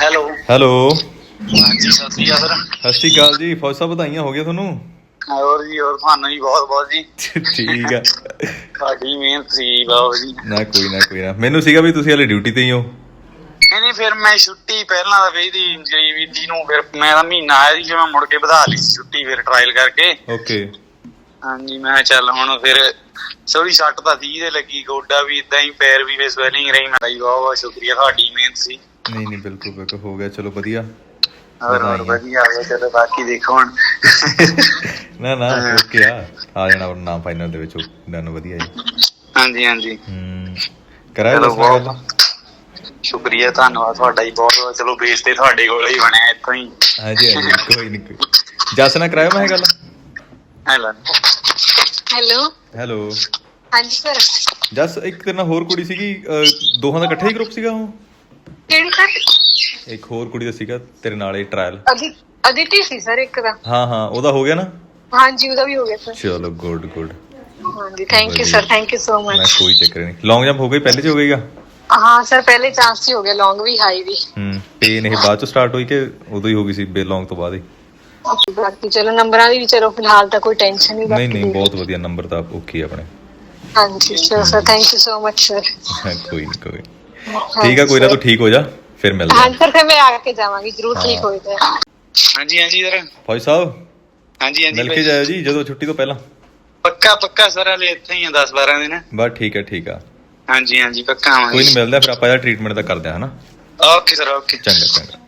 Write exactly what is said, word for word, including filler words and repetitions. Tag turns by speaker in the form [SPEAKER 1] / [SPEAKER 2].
[SPEAKER 1] Hello
[SPEAKER 2] hello
[SPEAKER 1] ਹਾਂਜੀ ਸਤਿ ਸ਼੍ਰੀ ਅਕਾਲ sir.
[SPEAKER 2] ਸਤਿ ਸ਼੍ਰੀ ਅਕਾਲ ਜੀ। ਫੌਜ ਸਾਹਿਬ ਵਧਾਈਆਂ ਹੋ ਗਈਆਂ ਤੁਹਾਨੂੰ।
[SPEAKER 1] ਹੋਰ ਜੀ ਹੋਰ ਤੁਹਾਨੂੰ ਜੀ ਬਹੁਤ ਬਹੁਤ ਜੀ।
[SPEAKER 2] ਠੀਕ ਆ।
[SPEAKER 1] ਤੁਹਾਡੀ ਮਿਹਨਤ ਸੀ ਬਾਬਾ ਜੀ।
[SPEAKER 2] ਨਾ ਕੋਈ ਨਾ ਕੋਈ ਨਾ, ਮੈਨੂੰ ਸੀਗਾ ਵੀ ਤੁਸੀਂ ਹਲੇ ਡਿਊਟੀ ਤੇ ਹੀ ਹੋ।
[SPEAKER 1] ਨਹੀਂ ਨਹੀਂ ਫਿਰ ਮੈਂ ਛੁੱਟੀ ਪਹਿਲਾਂ ਤਾਂ ਕਹੀ ਦੀ ਗਰੀਬੀ ਦੀ ਨੂੰ, ਫਿਰ ਮੈਂ ਤਾਂ ਮਹੀਨਾ ਆਇਆ ਸੀ, ਫਿਰ ਮੈਂ ਮੁੜ ਕੇ ਵਧਾ ਲਈ ਸੀ ਛੁੱਟੀ ਫਿਰ ਟਰਾਇਲ ਕਰਕੇ।
[SPEAKER 2] ਓਕੇ।
[SPEAKER 1] ਹਾਂਜੀ ਮੈਂ ਚੱਲ ਹੁਣ ਫਿਰ ਸੋਰੀ ਸੱਟ ਤਾਂ ਸੀ ਤੇ ਲੱਗੀ, ਗੋਡਾ ਵੀ ਏਦਾਂ ਹੀ, ਪੈਰ ਵੀ ਸਵੈਲਿੰਗ ਰਹੀ। ਮੈਂ ਬਹੁਤ ਬਹੁਤ ਸ਼ੁਕਰੀਆ, ਤੁਹਾਡੀ ਮਿਹਨਤ ਸੀ।
[SPEAKER 2] ਨਹੀਂ ਨਹੀਂ ਬਿਲਕੁਲ ਬਿਲਕੁਲ ਹੋ ਗਿਆ, ਚਲੋ ਵਧੀਆ।
[SPEAKER 1] ਹੋਰ ਹੋਰ ਵਧੀਆ ਆ ਗਿਆ, ਚਲੋ ਬਾਕੀ ਦੇਖੋ ਹੁਣ।
[SPEAKER 2] ਨਾ ਨਾ ਓਕੇ ਆ, ਆ ਜਾਣਾ ਨਾਮ ਫਾਈਨਲ ਦੇ ਵਿੱਚ ਡਨ। ਵਧੀਆ ਜੀ।
[SPEAKER 1] ਹਾਂਜੀ ਹਾਂਜੀ
[SPEAKER 2] ਹਮ ਕਰਾਇਆ ਜਸ ਨਾਲ ਗੱਲ?
[SPEAKER 1] ਸ਼ੁਕਰੀਆ ਧੰਨਵਾਦ ਤੁਹਾਡਾ ਜੀ ਬਹੁਤ ਬਹੁਤ। ਚਲੋ ਬੇਸ ਤੇ ਤੁਹਾਡੇ ਕੋਲ ਹੀ ਬਣਿਆ ਇੱਥੋਂ ਹੀ।
[SPEAKER 2] ਹਾਂਜੀ ਹਾਂਜੀ ਕੋਈ ਨੀ ਕੋਈ। ਜਸ ਨਾਲ ਕਰਾਇਆ ਮੈਂ ਗੱਲ?
[SPEAKER 1] ਹੈਲੋ ਹੈਲੋ
[SPEAKER 2] ਹੈਲੋ
[SPEAKER 1] ਹਾਂਜੀ ਸਰ।
[SPEAKER 2] ਜਸ ਇੱਕ ਤੇਰੇ ਨਾਲ ਹੋਰ ਕੁੜੀ ਸੀਗੀ, ਦੋਹਾਂ ਦਾ ਇਕੱਠਾ ਹੀ ਗਰੁੱਪ ਸੀਗਾ ਉਹ?
[SPEAKER 1] ਕਿਹੜੀ ਸਰ?
[SPEAKER 2] ਇੱਕ ਹੋਰ ਕੁੜੀ ਦਾ ਸੀਗਾ ਤੇਰੇ ਨਾਲ ਇਹ ਟਰਾਇਲ।
[SPEAKER 1] ਅਦਿਤੀ ਸੀ ਸਰ ਇੱਕ ਦਾ।
[SPEAKER 2] ਹਾਂ ਹਾਂ ਉਹਦਾ ਹੋ ਗਿਆ ਨਾ?
[SPEAKER 1] ਹਾਂਜੀ ਉਹਦਾ ਵੀ ਹੋ ਗਿਆ ਸਰ।
[SPEAKER 2] ਚਲੋ ਗੁੱਡ ਗੁੱਡ।
[SPEAKER 1] ਹਾਂਜੀ thank you sir, thank you so much.
[SPEAKER 2] ਕੋਈ ਚੱਕਰ ਨਹੀਂ। ਲੌਂਗ ਜੰਪ ਹੋ ਗਈ ਪਹਿਲੇ ਚ ਹੋ ਗਈਗਾ?
[SPEAKER 1] ਹਾਂ ਸਰ ਪਹਿਲੇ ਚਾਂਸ 'ਚ ਹੋ ਗਿਆ, ਲੌਂਗ ਵੀ ਹਾਈ ਵੀ।
[SPEAKER 2] ਹੂੰ ਪੇਨ ਇਹ ਬਾਅਦ ਚ ਸਟਾਰਟ ਹੋਈ ਕਿ ਉਦੋਂ ਹੀ ਹੋ ਗਈ ਸੀ ਬੇ ਲੌਂਗ ਤੋਂ ਬਾਅਦ ਹੀ?
[SPEAKER 1] ਬਾਕੀ ਚਲੋ ਨੰਬਰਾਂ ਦੀ ਵੀ ਚਲੋ ਫਿਲਹਾਲ ਤਾਂ ਕੋਈ ਟੈਨਸ਼ਨ ਨਹੀਂ।
[SPEAKER 2] ਨਹੀਂ ਨਹੀਂ ਬਹੁਤ ਵਧੀਆ, ਨੰਬਰ ਤਾਂ ਓਕੇ ਆਪਣੇ।
[SPEAKER 1] ਹਾਂਜੀ ਚਲੋ sir thank you so much sir.
[SPEAKER 2] ਕੋਈ ਨਹੀਂ ਕੋਈ ਠੀਕ ਆ, ਕੋਈ ਨਾ ਤੂੰ ਠੀਕ ਹੋ ਜਾ ਫਿਰ ਮਿਲਦੇ।
[SPEAKER 1] ਹਾਂਜੀ ਸਰ ਫਿਰ ਮੈਂ ਆ ਕੇ ਜਾਵਾਂਗੀ ਜ਼ਰੂਰ, ਠੀਕ ਹੋਏ ਤਾਂ। ਹਾਂਜੀ ਹਾਂਜੀ ਸਰ।
[SPEAKER 2] ਫੌਜ ਸਾਹਿਬ
[SPEAKER 1] ਹਾਂਜੀ ਹਾਂਜੀ
[SPEAKER 2] ਮਿਲ ਕੇ ਜਾਇਓ ਜੀ ਜਦੋਂ ਛੁੱਟੀ ਤੋਂ ਪਹਿਲਾਂ।
[SPEAKER 1] ਪੱਕਾ ਪੱਕਾ ਸਰ, ਹਲੇ ਇੱਥੇ ਹੀ ਆ ਦਸ ਬਾਰਾਂ ਦਿਨ।
[SPEAKER 2] ਬਸ ਠੀਕ ਹੈ ਠੀਕ ਆ।
[SPEAKER 1] ਹਾਂਜੀ ਹਾਂਜੀ ਪੱਕਾ ਆਵਾਂਗੇ।
[SPEAKER 2] ਕੋਈ ਨਹੀਂ ਮਿਲਦਾ ਫਿਰ ਆਪਾਂ ਇਹਦਾ ਟ੍ਰੀਟਮੈਂਟ ਦਾ ਕਰਦੇ ਹਾਂ ਹਨਾ।
[SPEAKER 1] Okay sir okay.
[SPEAKER 2] ਚੰਗਾ ਚੰਗਾ।